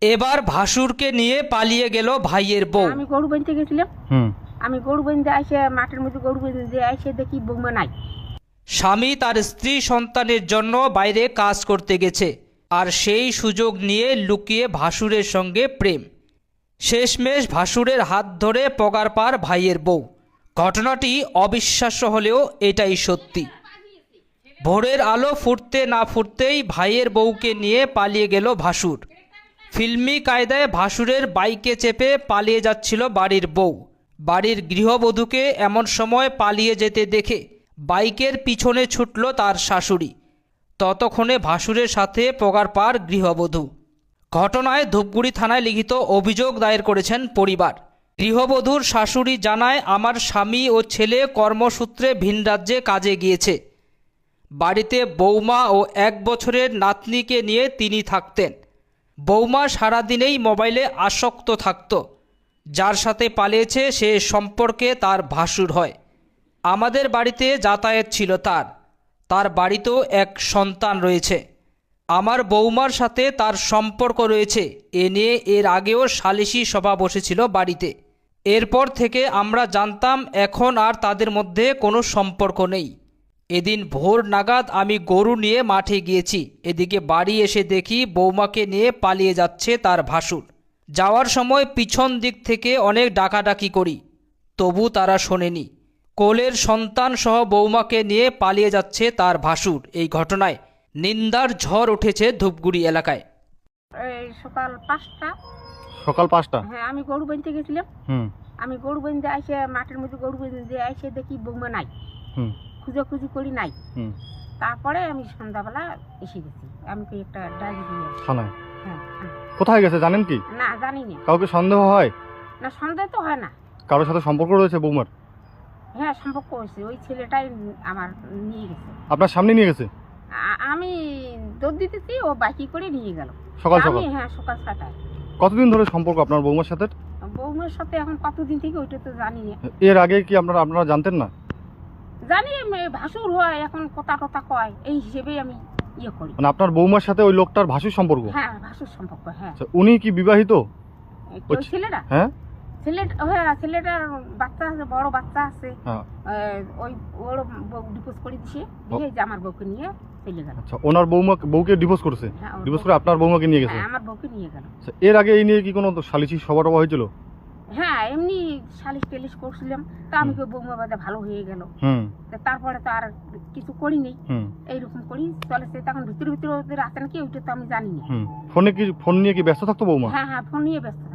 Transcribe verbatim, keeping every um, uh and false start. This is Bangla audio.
এবার ভাসুরকে নিয়ে পালিয়ে গেল ভাইয়ের বউ। আমি গরু বাঁধতে গেছিলাম, হুম আমি গরু বাঁধতে এসে মাঠের মধ্যে গরু বাঁধতে এসে দেখি বৌমা নাই। স্বামী তার স্ত্রী সন্তানের জন্য বাইরে কাজ করতে গেছে, আর সেই সুযোগ নিয়ে লুকিয়ে ভাসুরের সঙ্গে প্রেম। শেষমেশ ভাসুরের হাত ধরে পগার পার ভাইয়ের বউ। ঘটনাটি অবিশ্বাস্য হলেও এটাই সত্যি। ভোরের আলো ফুটতে না ফুটতেই ভাইয়ের বউকে নিয়ে পালিয়ে গেল ভাসুর। ফিল্মি কায়দায় ভাসুরের বাইকে চেপে পালিয়ে যাচ্ছিল বাড়ির বউ। বাড়ির গৃহবধূকে এমন সময় পালিয়ে যেতে দেখে বাইকের পিছনে ছুটল তার শাশুড়ি। ততক্ষণে ভাসুরের সাথে পগার পার গৃহবধূ। ঘটনায় ধূপগুড়ি থানায় লিখিত অভিযোগ দায়ের করেছেন পরিবার। গৃহবধূর শাশুড়ি জানায়, আমার স্বামী ও ছেলে কর্মসূত্রে ভিন রাজ্যে কাজে গিয়েছে। বাড়িতে বৌমা ও এক বছরের নাতনিকে নিয়ে তিনি থাকতেন। বৌমা সারাদিনেই মোবাইলে আসক্ত থাকত। যার সাথে পালিয়েছে সে সম্পর্কে তার ভাসুর হয়। আমাদের বাড়িতে যাতায়াত ছিল তার। তার বাড়িতেও এক সন্তান রয়েছে। আমার বৌমার সাথে তার সম্পর্ক রয়েছে এ নিয়ে এর আগেও সালিশি সভা বসেছিল বাড়িতে। এরপর থেকে আমরা জানতাম এখন আর তাদের মধ্যে কোনো সম্পর্ক নেই। এদিন ভোর নাগাদ আমি গরু নিয়ে মাঠে গিয়েছি। এদিকে বাড়ি এসে দেখি বৌমাকে নিয়ে পালিয়ে যাচ্ছে তার ভাসুর। যাওয়ার সময় পিছন দিক থেকে অনেক ডাকাডাকি করি, তবু তারা শোনেনি। কোলের সন্তান সহ বৌমাকে নিয়ে পালিয়ে যাচ্ছে তার ভাসুর। এই ঘটনায় নিন্দার ঝড় উঠেছে ধূপগুড়ি এলাকায়। এই সকাল পাঁচটা, সকাল পাঁচটা হ্যাঁ আমি গরু বাঁধতে গেছিলাম, হুম আমি গরু বাঁধতে এসে মাঠের মধ্যে গরু বাঁধতে এসে দেখি বৌমা নাই। হুম খুঁজে করি নাই। হুম তারপরে আমি সন্ধ্যাবেলা এসে গেছি, আমি কি একটা ডায়েরি দিয়ে আসি। থানায় হ্যাঁ হ্যাঁ। কোথায় গেছে জানেন কি? না জানি না। কাউকে সন্দেহ হয়? না সন্দেহ তো হয় না। কারোর সাথে সম্পর্ক রয়েছে বৌমার? হ্যাঁ সম্পর্ক হয়েছে, ওই ছেলেটাই আমার নিয়ে গেছে। আপনার সামনে নিয়ে গেছে? আ- আমি দৌড় দিতেছি, ও বাইকে করে নিয়ে গেল সকাল আমি, সকাল? হ্যাঁ সকাল ছটায়। কতদিন ধরে সম্পর্ক আপনার বৌমার সাথে? বৌমার সাথে এখন কতদিন থেকে ওইটা তো জানি না। এর আগে কি আপনারা আপনারা জানতেন না? জানি এ ভাসুর হয়, এখন কথা টথা কয়, এই হিসেবেই আমি ইয়ে করি। মানে আপনার বৌমার সাথে ওই লোকটার ভাসুর সম্পর্ক? হ্যাঁ ভাসুর সম্পর্ক, হ্যাঁ। আচ্ছা, উনি কি বিবাহিত? এই ওই ছেলেটা, হ্যাঁ ছেলেটা হ্যাঁ ছেলেটার বাচ্চা আছে, বড় বাচ্চা আছে। হ্যাঁ। এ, ওই ওর বউ ডিভোর্স করে দিছে, দিয়ে যে আমার বউকে নিয়ে চলে গেল। আচ্ছা, ওনার বৌমা বউকে ডিভোর্স করেছে? হ্যাঁ, ওর ডিভোর্স বউ- করে আপনার বৌমাকে নিয়ে গেছে? হ্যাঁ, আমার বউকে নিয়ে গেল। আচ্ছা, এর আগে এই নিয়ে কি কোনো সালিশি সভা টভা হয়েছিল? হ্যাঁ এমনি সালিশ টালিশ করছিলাম, তা আমি কই বৌমা বাদে ভালো হয়ে গেল। হুম তা তারপরে তো আর কিছু করিনি, হুম এইরকম করি চলেছে। তখন ভিতরে ভিতরে ওদের আছে নাকি ওইটা তো আমি জানি না। হুম ফোনে কি ফোন নিয়ে কি ব্যস্ত থাকতো বৌমা? হ্যাঁ হ্যাঁ ফোন নিয়ে ব্যস্ত